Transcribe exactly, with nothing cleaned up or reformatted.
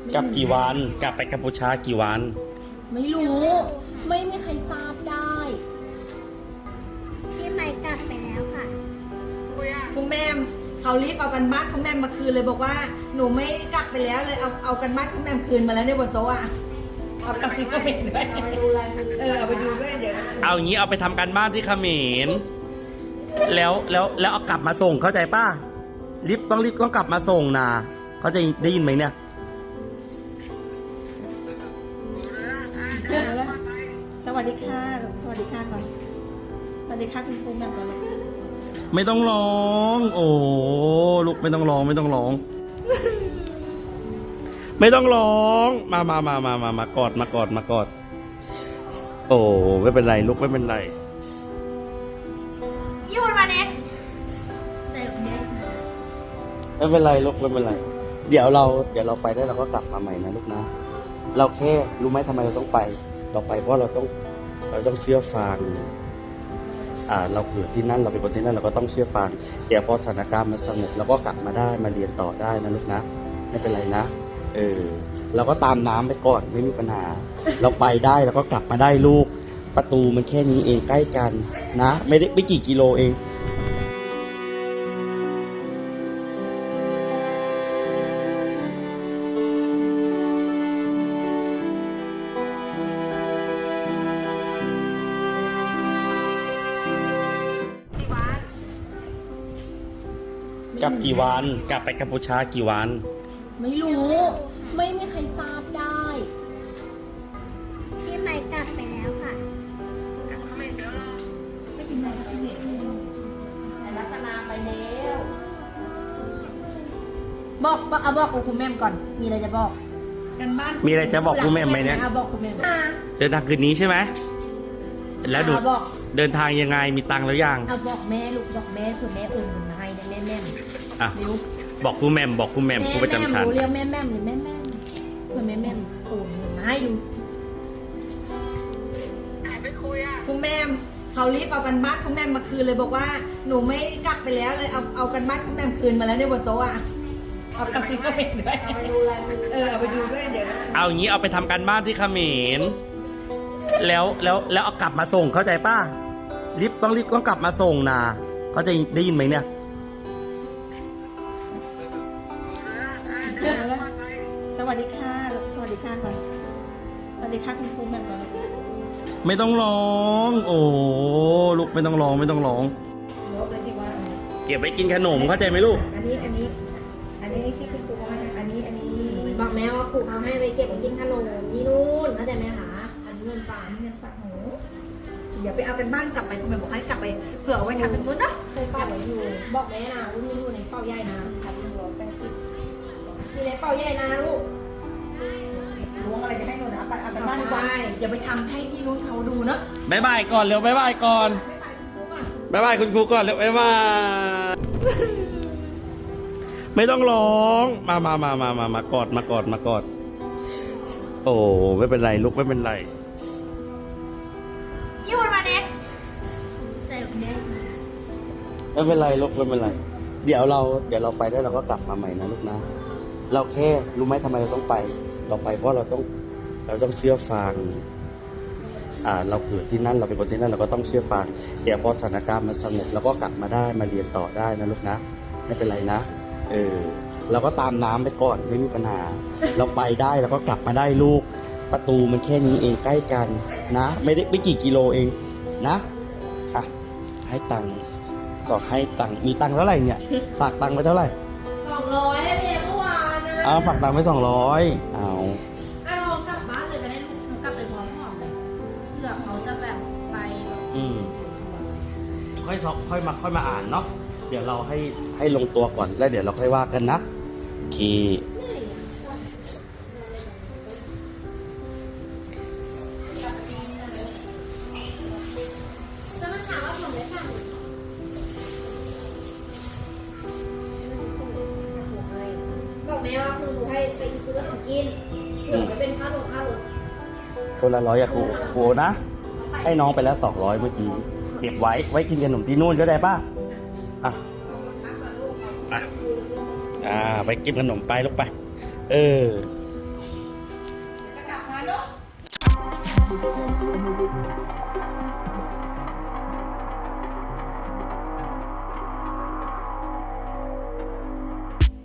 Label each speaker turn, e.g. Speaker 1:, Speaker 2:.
Speaker 1: กลับกี่วันกลับไปกัมพูชากี่วัน
Speaker 2: ไม่รู้ ไม่มีใครทราบได้
Speaker 3: พี่ไม่กลับไปแล้วค่ะ
Speaker 2: คุณแม่เขารีบเอากันบ้านคุณแม่มาคืนเลยบอกว่าหนูไม่กลับไปแล้วเลยเอาเอากันบ้านคุณแม่คืนมาแล้วในบนโต๊ะอ่ะเอาไปที่เขมรด้วยเออเอาไปดูด้วยเดี๋ยว
Speaker 1: เอาอย่างนี้เอาไปทำการบ้านที่เขมรแล้วแล้วแล้วเอากลับมาส่งเข้าใจป้ารีบต้องรีบต้องกลับมาส่งนะเขาจะได้ยินไหมเนี่ย
Speaker 2: สวัสดีค่ะสวัสดีค่ะก่อนสวัสดีค่ะคุณครูแม่ก่อนเลย
Speaker 1: ไม่ต้องร้องโอ้ลูกไม่ต้องร้องไม่ต้องร้อง ไม่ต้องร้องมามามามามามากอดมากอดมากอดโอ้ไม่เป็นไรลูกไม่เป็นไร
Speaker 2: ยูนมาเน็ตใจของแม่
Speaker 1: ไม่เป็นไรลูกไม่เป็นไรเดี๋ยวเราเดี๋ยวเราไปได้เราก็กลับมาใหม่นะลูกนะเราแค่รู้ไหมทำไมเราต้องไปเราไปเพราะเราต้องเราต้องเชื่อฟังอ่าเราเกิดที่นั่นเราเป็นคนที่นั่นเราก็ต้องเชื่อฟังเดี๋ยวพอสถานการณ์มันสงบเราก็กลับมาได้มาเรียนต่อได้นะลูกนะไม่เป็นไรนะเออเราก็ตามน้ำไปก่อนไม่มีปัญหาเราไปได้เราก็กลับมาได้ลูกประตูมันแค่นี้เองใกล้กันนะไม่ได้ไม่กี่กิโลเองกลับกี่วันกลับไปกัมพูชากี่วัน
Speaker 2: ไม่รู้ ไม่มีใครทราบได้
Speaker 3: พี่ไม่กลับไปแล้วค่ะ
Speaker 2: ไม่ถึงไหนแล้วพี่เด็กแต่รัตนาไปแล้วบอกบอกเอาบอกคุณแม่ก่อนมีอะไรจะบอกกันบ้าน
Speaker 1: มีอะไรจะบอกคุณแม่ไหมเนี่ย
Speaker 2: บอกคุณแม่
Speaker 1: เดินทางคืนนี้ใช่ไหมแล้วดูเดินทางยังไงมีตังค์แล้วยัง
Speaker 2: เอาบอกแม่ลูกบอกแม่ส่วนแม่โอนเงินมาให้แม่แม่
Speaker 1: อ่ะบอกคุณแม่บอกคุณแม่คุณประจำชั้น
Speaker 2: เรียกแม่แม่หรือแม่แม่เพื่อแม่แม่โอนเงินมาให้ดูไปคุยอ่ะคุณแม่เขารีบเอากันบ้านคุณแม่มาคืนเลยบอกว่าหนูไม่กลับไปแล้วเลยเอาเอากันบ้านคุณแม่คืนมาแล้วในบนโต๊ะอ่ะเอาไปที่เขมรด้วยเออเอาไปดูด้วยเดี๋ยว
Speaker 1: เอาอย่างนี้เอาไปทำการบ้านที่เขมรแล้วแล้วแล้วเอากลับมาส่งเข้าใจป้ารีบต้องรีบต้องกลับมาส่งนะเขาจะได้ยินไหมเนี่ย
Speaker 2: สวัสดีค่ะสวัสดีค่ะก่อนสวัสดีค่ะคุณครูแม่ก่อนเลย
Speaker 1: ไม่ต้องร้องโอ้ลูกไม่ต้องร้องไม่ต้องร้องเก็บไว้กินขนมเข้าใจไหมลูก
Speaker 2: อันนี้อันนี้อันนี้ที่คุณครูเขาให้อันนี้อันนี้
Speaker 4: บอกแม่ว่าครูเขาให้ไปเก็บไว้กินขนมที่นู่นเข้าใจไหมคะอันนี้เงินฝาก
Speaker 2: เงินฝากหนูเดี๋ยวไปเอากันบ้านกลับไปคุณแม่บอกให้กลับไปเผื่อเอาไว้ทำเป็นมื้อนะ
Speaker 4: เคยเก็บไว้อยู่บอกแม่นะรุ่นนี้อยู่ในเป้าใหญ่นะทำรวมแป้งติดอยู่ในเป้าใหญ่นะลูก
Speaker 2: ล้วงอะไรจะให้หนูนะไปเอากันบ้านดีกว่าเดี๋ยวไปทำให้ที่นู้นเขาดูเนาะ
Speaker 1: บายบายก่อนเร็วบายบายก่อนบายบายคุณครูก่อนเร็วบายบายไม่ต้องร้องมามามามามามากอดมากอดมากอดโอ้ไม่เป็นไรลูกไม่เป็นไร
Speaker 2: ยูนมาเน็ตใจของแม่
Speaker 1: ไม่เป็นไรลูกไม่เป็นไรเดี๋ยวเราเดี๋ยวเราไปได้เราก็กลับมาใหม่นะลูกนะเราแค่รู้ไหมทำไมเราต้องไปเราไปเพราะเราต้องเราต้องเชื่อฟังอ่าเราเกิดที่นั่นเราเป็นคนที่นั่นเราก็ต้องเชื่อฟังเดี๋ยวพอสถานการณ์มันสงบเราก็กลับมาได้มาเรียนต่อได้นะลูกนะไม่เป็นไรนะเออเราก็ตามน้ำไปก่อนไม่มีปัญหาเราไปได้เราก็กลับมาได้ลูกประตูมันแค่นี้เองใกล้กันนะไม่ได้ไม่กี่กิโลเองนะอ่ะให้ตังค์สอบให้ตังค์มีตังค์เท่าไหร่เนี่ยฝากตังค์ไปเท่าไหร่
Speaker 2: สองร้อยให้เพียงเมื่อวานนะ
Speaker 1: เอาฝากตังค์ไปสองร้อยเอา
Speaker 2: เอากลับบ้านเลยจะได้ลูกกลับไปพร้อมพ่อเลยเผื่อเขาจะแบบไปแบบ
Speaker 1: อืมค่อยสอบค่อยมาค่อยมาอ่านเนาะเดี๋ยวเราให้ให้ลงตัวก่อนแล้วเดี๋ยวเราค่อยว่ากันนะโอเค
Speaker 4: บอกแม่ว่าครูให้ไปซื้อขนมกินเผื่อจะเป็นค่านมค่ารถ
Speaker 1: คนละร้อยอะครูครูนะให้น้องไปแล้วสองร้อยเมื่อกี้เก็บไว้ไว้กินขนมที่นู่นก็ได้ป่ะอ่ะอ่ะอ่าไปกินขนมไปลูกไปเออ